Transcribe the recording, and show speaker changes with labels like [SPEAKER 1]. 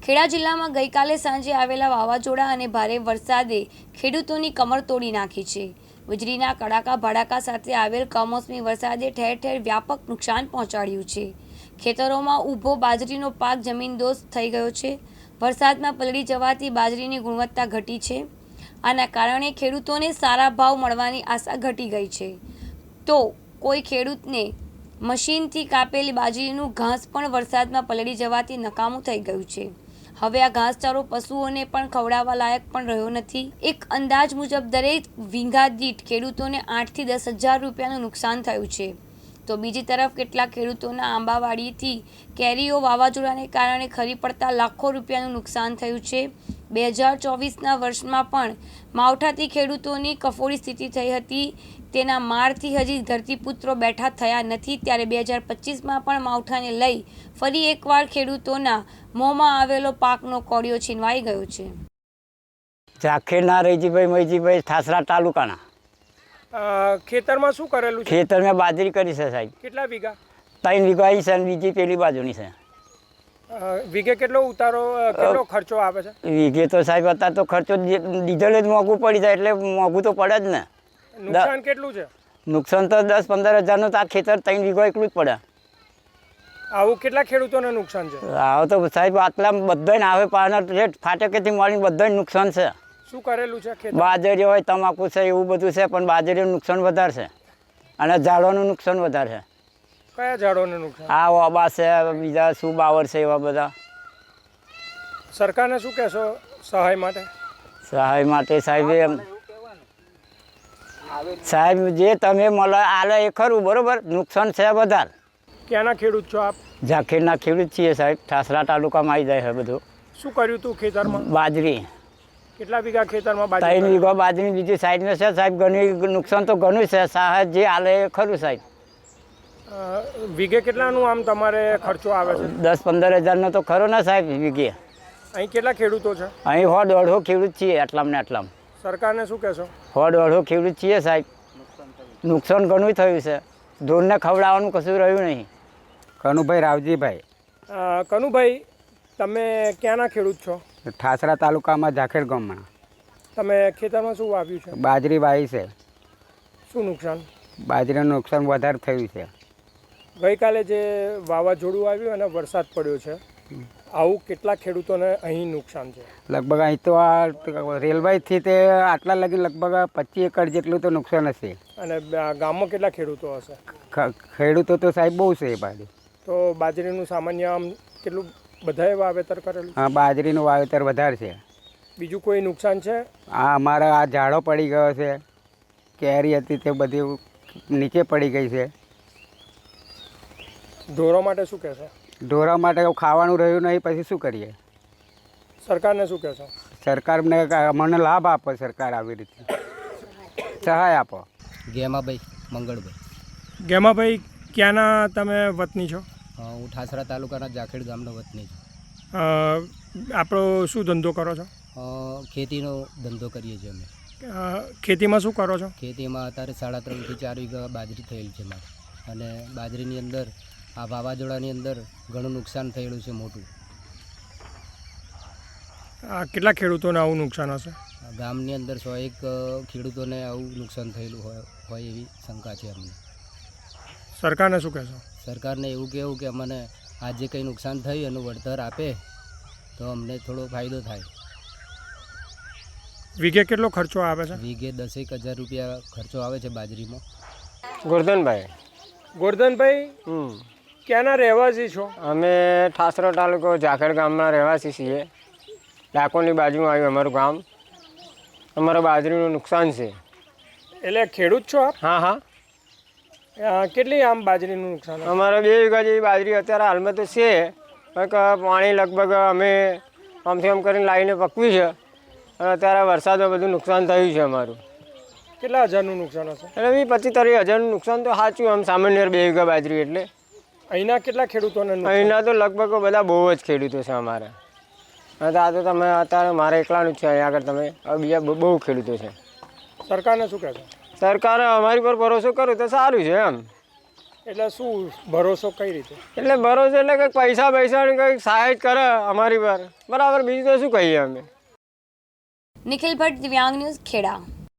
[SPEAKER 1] ખેડા જિલ્લામાં ગઈકાલે સાંજે આવેલા વાવાઝોડા અને ભારે વરસાદે ખેડૂતોની કમર તોડી નાખી છે। વીજળીના કડાકા ભડાકા સાથે આવેલ કમોસમી વરસાદે ઠેર ઠેર વ્યાપક નુકસાન પહોંચાડ્યું છે। ખેતરોમાં ઊભો બાજરીનો પાક જમીનદોસ્ત થઈ ગયો છે। વરસાદમાં પલળી જવાથી બાજરીની ગુણવત્તા ઘટી છે। આના કારણે ખેડૂતોને સારા ભાવ મળવાની આશા ઘટી ગઈ છે। તો કોઈ ખેડૂતને મશીનથી કાપેલી બાજરીનું ઘાસ પણ વરસાદમાં પલળી જવાથી નકામું થઈ ગયું છે। હવે આ ઘાસચારો પશુઓને પણ ખવડાવવા લાયક પણ રહ્યો નથી। એક અંદાજ મુજબ દરેક વીઘા દીઠ ખેડૂતોને 8 થી 10 હજાર રૂપિયાનું નુકસાન થયું છે। તો બીજી તરફ કેટલાક ખેડૂતોના આંબાવાડીથી કેરીઓ વાવાઝોડાને કારણે ખરી પડતા લાખો રૂપિયાનું નુકસાન થયું છે। 2024ના વર્ષમાં પણ માવઠાથી ખેડૂતોની કફોડી સ્થિતિ થઈ હતી। તેના મારથી હજી ધરતીપુત્રો બેઠા થયા નથી। ત્યારે 2025માં પણ માવઠાને લઈ ફરી એકવાર ખેડૂતોના મોંમાં આવેલો પાકનો કોળિયો છીનવાઈ ગયો છે।
[SPEAKER 2] ઝાખેરના રૈજીભાઈ મૈજીભાઈ ઠાસરા તાલુકાના
[SPEAKER 3] ખેતરમાં શું કરેલું છે?
[SPEAKER 2] ખેતરમાં બાજરી કરી છે સાહેબ।
[SPEAKER 3] કેટલા વીઘા?
[SPEAKER 2] 3 વીઘા છે અને બીજી પેલી બાજુની છે।
[SPEAKER 3] વીઘે કેટલો ઉતારો કેટલો ખર્ચો આવે છે?
[SPEAKER 2] વીઘે તો સાહેબ અત્યારે તો ખર્ચો ડીઝલ જ મોંઘું પડી જાય એટલે મોંઘું તો પડે જ ને।
[SPEAKER 3] નુકસાન કેટલું છે?
[SPEAKER 2] નુકસાન તો 10-15 હજારનું તો આ ખેતર 3 વીઘા એટલું જ પડે।
[SPEAKER 3] આવું કેટલા ખેડૂતોને નુકસાન છે?
[SPEAKER 2] આવો તો સાહેબ આટલા બધાને આવે પાના રેટ ફાટકેથી મળીને બધાને નુકસાન છે।
[SPEAKER 3] શું કરેલું છે ખેતર?
[SPEAKER 2] બાજરી હોય તમાકુ છે એવું બધું છે પણ બાજરીનું નુકસાન વધારે છે અને ઝાડોનું નુકસાન વધારે છે।
[SPEAKER 3] કયા ઝાડોને નુકસાન?
[SPEAKER 2] આ ઓબા છે બીજા શું બાવર છે એવા બધા।
[SPEAKER 3] સરકારને શું કહેશો સહાય માટે?
[SPEAKER 2] સહાય માટે સાહેબ જે તમે મળે આલે એ ખરું બરોબર, નુકસાન છે વધારે।
[SPEAKER 3] ક્યાંના ખેડૂત છો આપ?
[SPEAKER 2] ઝાખેરના ખેડૂત છીએ સાહેબ, ઠાસરા તાલુકામાં આવી જાય છે બધું।
[SPEAKER 3] શું કર્યું તું ખેતરમાં?
[SPEAKER 2] બાજરી।
[SPEAKER 3] કેટલા વીઘા ખેતરમાં
[SPEAKER 2] 3 વીઘા બાજરી બીજી સાઈડમાં છે સાહેબ। ઘણી નુકસાન તો ઘણું છે, સહાય જે આલે એ ખરું સાહેબ।
[SPEAKER 3] વીઘે કેટલાનું આમ તમારે ખર્ચો આવે છે?
[SPEAKER 2] 10-15 હજારનો તો ખરો ને સાહેબ વીઘે।
[SPEAKER 3] અહીં કેટલા ખેડૂતો છે?
[SPEAKER 2] અહીં 100-150 ખેડૂત છીએ આટલામાં ને આટલામાં।
[SPEAKER 3] સરકારને શું કહેશો?
[SPEAKER 2] 100-150 ખેડૂત છીએ સાહેબ। નુકસાન ઘણું થયું છે, ઢોરને ખવડાવવાનું કશું રહ્યું નહીં।
[SPEAKER 4] કનુભાઈ રાવજીભાઈ।
[SPEAKER 3] કનુભાઈ, તમે ક્યાંના ખેડૂત છો?
[SPEAKER 4] ઠાસરા તાલુકામાં ઝાખેર ગામમાં।
[SPEAKER 3] તમે ખેતરમાં શું વાવ્યું છે?
[SPEAKER 4] બાજરી વાવી છે।
[SPEAKER 3] શું નુકસાન?
[SPEAKER 4] બાજરીનું નુકસાન વધારે થયું છે।
[SPEAKER 3] ગઈકાલે જે વાવાઝોડું આવ્યું અને વરસાદ પડ્યો છે, આવું કેટલા ખેડૂતોને અહીં નુકસાન છે?
[SPEAKER 4] લગભગ અહીં તો આ રેલવેથી તે આટલા લગી લગભગ 25 એકર જેટલું તો નુકસાન હશે।
[SPEAKER 3] અને ગામમાં કેટલા ખેડૂતો હશે?
[SPEAKER 4] ખેડૂતો તો સાહેબ બહુ છે એ બાજુ।
[SPEAKER 3] તો બાજરીનું સામાન્ય આમ કેટલું બધાએ વાવેતર કરેલું?
[SPEAKER 4] હા, બાજરીનું વાવેતર વધારે છે।
[SPEAKER 3] બીજું કોઈ નુકસાન છે?
[SPEAKER 4] આ અમારા આ ઝાડો પડી ગયો છે, કેરી હતી તે બધી નીચે પડી ગઈ છે।
[SPEAKER 3] ઢોરો માટે શું કહેશો?
[SPEAKER 4] ઢોરા માટે ખાવાનું રહ્યું નહીં, પછી શું કરીએ?
[SPEAKER 3] સરકારને શું કહેશો?
[SPEAKER 4] સરકારને મને લાભ આપો, સરકાર આવી રીતે સહાય આપો।
[SPEAKER 5] ગેમાભાઈ મંગળભાઈ।
[SPEAKER 3] ગેમાભાઈ, ક્યાંના તમે વતની છો?
[SPEAKER 5] હું ઠાસરા તાલુકાના ઝાખેડ ગામનો વતની છું।
[SPEAKER 3] આપણો શું ધંધો કરો છો?
[SPEAKER 5] ખેતીનો ધંધો કરીએ છીએ અમે।
[SPEAKER 3] ખેતીમાં શું કરો છો?
[SPEAKER 5] ખેતીમાં અત્યારે 3.5 થી 4 વીઘા બાજરી થયેલ છે મારે, અને બાજરીની અંદર આ વાવાઝોડાની અંદર ઘણું નુકસાન થયેલું છે મોટું।
[SPEAKER 3] કેટલા ખેડૂતોને આવું નુકસાન હશે?
[SPEAKER 5] ગામની અંદર 101 ખેડૂતોને આવું નુકસાન થયેલું હોય એવી શંકા છે અમને।
[SPEAKER 3] સરકારને શું કહેશો?
[SPEAKER 5] સરકારને એવું કહેવું કે અમને આ જે કંઈ નુકસાન થયું એનું વળતર આપે તો અમને થોડો ફાયદો થાય।
[SPEAKER 3] વીઘે કેટલો ખર્ચો આવે છે?
[SPEAKER 5] વીઘે 10-1 હજાર રૂપિયા ખર્ચો આવે છે બાજરીમાં।
[SPEAKER 3] ગોરધનભાઈ, ક્યાંના રહેવાસી છો?
[SPEAKER 6] અમે ઠાસરા તાલુકો ઝાખેડ ગામના રહેવાસી છીએ। ડાકોરની બાજુમાં આવ્યું અમારું ગામ। અમારા બાજરીનું નુકસાન છે।
[SPEAKER 3] એટલે ખેડૂત છો આપ?
[SPEAKER 6] હા હા।
[SPEAKER 3] કેટલી આમ બાજરીનું નુકસાન?
[SPEAKER 6] અમારે 2 વીઘા જેવી બાજરી અત્યારે હાલમાં તો છે, પણ પાણી લગભગ અમે આમથી આમ કરીને લાવીને પકવી છે, અને અત્યારે વરસાદમાં બધું નુકસાન થયું છે અમારું।
[SPEAKER 3] કેટલા હજારનું નુકસાન હશે?
[SPEAKER 6] એટલે 25-30 હજારનું નુકસાન તો સાચું આમ સામાન્ય 2 વીઘા બાજરી એટલે।
[SPEAKER 3] અહીંના કેટલા ખેડૂતોને?
[SPEAKER 6] અહીંના તો લગભગ બધા બહુ જ ખેડૂતો છે અમારા। આ તો તમે અત્યારે મારે એકલાનું જ છે, અહીંયા આગળ તમે બીજા બહુ ખેડૂતો છે।
[SPEAKER 3] સરકારને શું કહેશો?
[SPEAKER 6] સરકારે અમારી પર ભરોસો કરો તો સારું છે એમ।
[SPEAKER 3] એટલે શું ભરોસો કઈ રીતે?
[SPEAKER 6] એટલે ભરોસો એટલે કંઈક પૈસા પૈસાની કંઈક સહાય કરે અમારી પર, બરાબર, બીજું તો શું કહીએ અમે.
[SPEAKER 1] નિખિલ ભટ્ટ, દિવ્યાંગ ન્યૂઝ, ખેડા.